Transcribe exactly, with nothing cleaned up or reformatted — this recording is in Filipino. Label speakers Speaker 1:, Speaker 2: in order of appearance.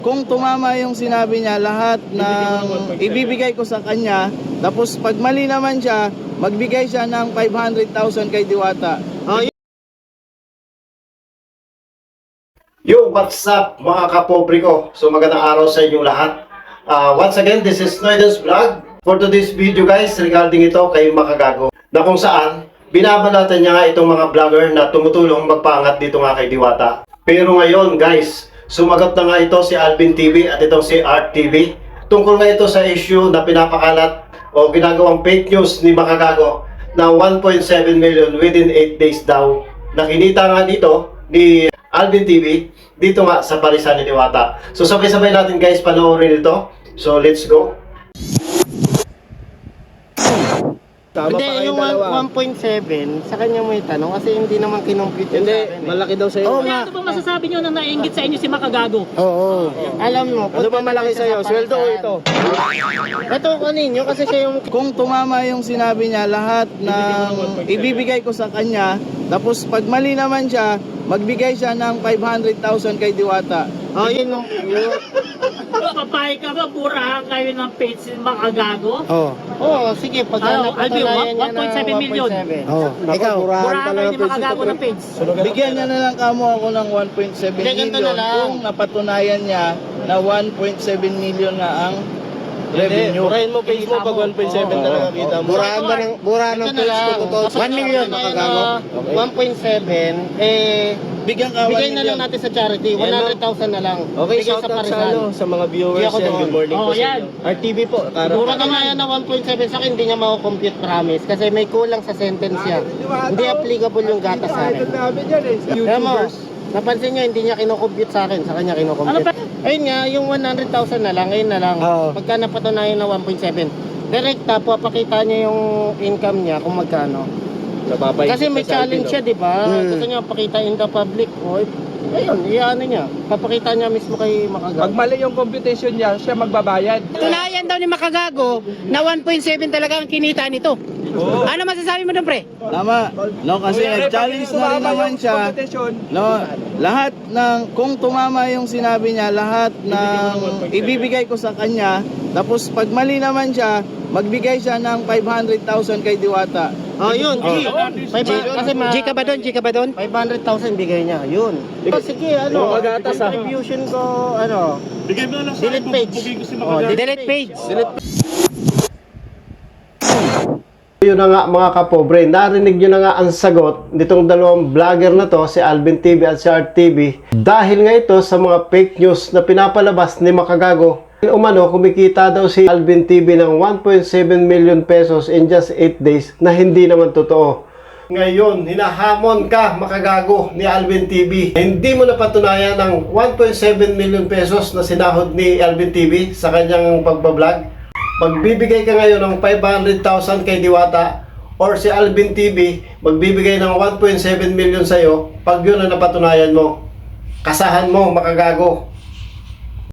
Speaker 1: Kung tumama yung sinabi niya, lahat ng ibibigay ko sa kanya, tapos pag mali naman siya, magbigay siya ng five hundred thousand kay Diwata.
Speaker 2: Oh,
Speaker 3: Yo, what's up mga kapobre ko? So magandang araw sa inyo lahat. Uh, once again, this is Noyden's Vlog. For today's video guys, regarding ito kay Makagago, na kung saan binabalatan niya nga itong mga vlogger na tumutulong magpangat dito nga kay Diwata. Pero ngayon guys, sumagot na nga ito si Alvin T V at itong si Art T V. Tungkol nga ito sa issue na pinapakalat o ginagawang fake news ni Makagago na one point seven million within eight days daw. Nakinita nga dito ni Alvin T V dito nga sa parisan ni Diwata. So sabay-sabay natin guys panoorin ito. So let's go.
Speaker 1: Tama pa
Speaker 2: hindi,
Speaker 1: kayong
Speaker 2: yung
Speaker 1: dalawa.
Speaker 2: one point seven, sa kanya mo itanong kasi hindi naman kinompute yun
Speaker 1: Hindi,
Speaker 2: sa akin eh.
Speaker 1: malaki daw sa'yo.
Speaker 2: Oo
Speaker 4: Kaya
Speaker 2: nga.
Speaker 4: ano ba masasabi nyo na nainggit sa inyo si Makagago?
Speaker 2: Oo. Alam mo,
Speaker 1: Ano ba malaki sa'yo? Sweldo o ito?
Speaker 2: Ito kaninyo kasi siya yung
Speaker 1: Kung tumama yung sinabi niya, lahat ng ibibigay ko sa kanya, tapos pag mali naman siya, magbigay siya ng five hundred thousand kay Diwata.
Speaker 2: Oh, yun yung yun.
Speaker 4: Papayag ka ba, burahan kayo ng page si Makagago?
Speaker 2: Oh. Oo, sige, pag
Speaker 4: Ano, Alvin,
Speaker 2: napatunayan niya
Speaker 4: one point seven million.
Speaker 2: Oh, ikaw.
Speaker 4: Burahan kayo ni Makagago ng page.
Speaker 1: Bigyan niya na lang kamo ako ng one point seven
Speaker 2: Hindi, ganito
Speaker 1: million
Speaker 2: na lang.
Speaker 1: kung napatunayan niya na one point seven million nga ang revenue.
Speaker 5: Burahin mo page mo pag one point seven talaga kita mo.
Speaker 2: Burahan ba ng burahan ng page ko totoo? one million Makagago. one point seven eh
Speaker 1: Bigyan ka one
Speaker 2: bigay na lang
Speaker 1: million.
Speaker 2: natin sa charity, one hundred thousand na lang.
Speaker 5: Okay,
Speaker 2: Bigay
Speaker 5: shout out sa,
Speaker 2: Parisan.
Speaker 5: ano, sa mga viewers
Speaker 2: Hindi ako
Speaker 5: yan.
Speaker 2: doon.
Speaker 5: Good morning
Speaker 4: Oh,
Speaker 5: po sa
Speaker 4: yan.
Speaker 5: inyo. R T V po. Para
Speaker 2: Mura na nga yan na one point seven sa akin, hindi niya mako-compute promise kasi may kulang sa sentence niya. Hindi applicable yung gatas sa akin. Kaya mo, napansin niyo, hindi niya kinocompute sa akin, sa kanya
Speaker 4: Ano
Speaker 2: kinocompute.
Speaker 4: ba?
Speaker 2: Ayun nga, yung one hundred thousand na lang, ayun na lang.
Speaker 5: Oo.
Speaker 2: Pagka napatunayan na one point seven, direkta po, pakita niya yung income niya kung magkano.
Speaker 5: napapahigit
Speaker 2: Kasi may
Speaker 5: sa
Speaker 2: challenge siya,
Speaker 5: Alvin,
Speaker 2: di ba?
Speaker 5: Hmm.
Speaker 2: Gusto niya pakita in the public. O, ayun, iyaano niya. Papakita niya mismo kay Makagago.
Speaker 6: Pag mali yung computation niya, siya magbabayad.
Speaker 7: Tunayan daw ni Makagago na one point seven talaga ang kinita nito. Ano masasabi mo doon, pre?
Speaker 1: Tama. No, kasi nag-challenge na rin naman siya.
Speaker 6: Computation,
Speaker 1: No, lahat ng kung tumama yung sinabi niya, lahat ng ibibigay ko sa kanya, tapos pag mali naman siya, magbigay siya ng five hundred thousand kay Diwata.
Speaker 2: Oh, yun. G. Five, kasi ma-
Speaker 7: G ka ba doon? G ka ba doon?
Speaker 2: five hundred thousand bigay niya. Yun. Oh, sige, ano.
Speaker 5: Yung magatas, ah.
Speaker 2: Contribution ko, ano. Bigay mo na lang sa delete page. Oh,
Speaker 7: Delete page.
Speaker 3: Yun na nga mga kapobre, narinig nyo na nga ang sagot nitong dalawang vlogger na to, si Alvin T V at si Art T V. Dahil nga ito sa mga fake news na pinapalabas ni Makagago. Umano, kumikita daw si Alvin T V ng one point seven million pesos in just eight days na hindi naman totoo. Ngayon, hinahamon ka Makagago ni Alvin T V. Hindi mo napatunayan ng one point seven million pesos na sinahod ni Alvin T V sa kanyang pagbablog. Magbibigay ka ngayon ng five hundred thousand kay Diwata or si Alvin T V magbibigay ng one point seven million sa'yo pag yun ang napatunayan mo. Kasahan mo, Makagago.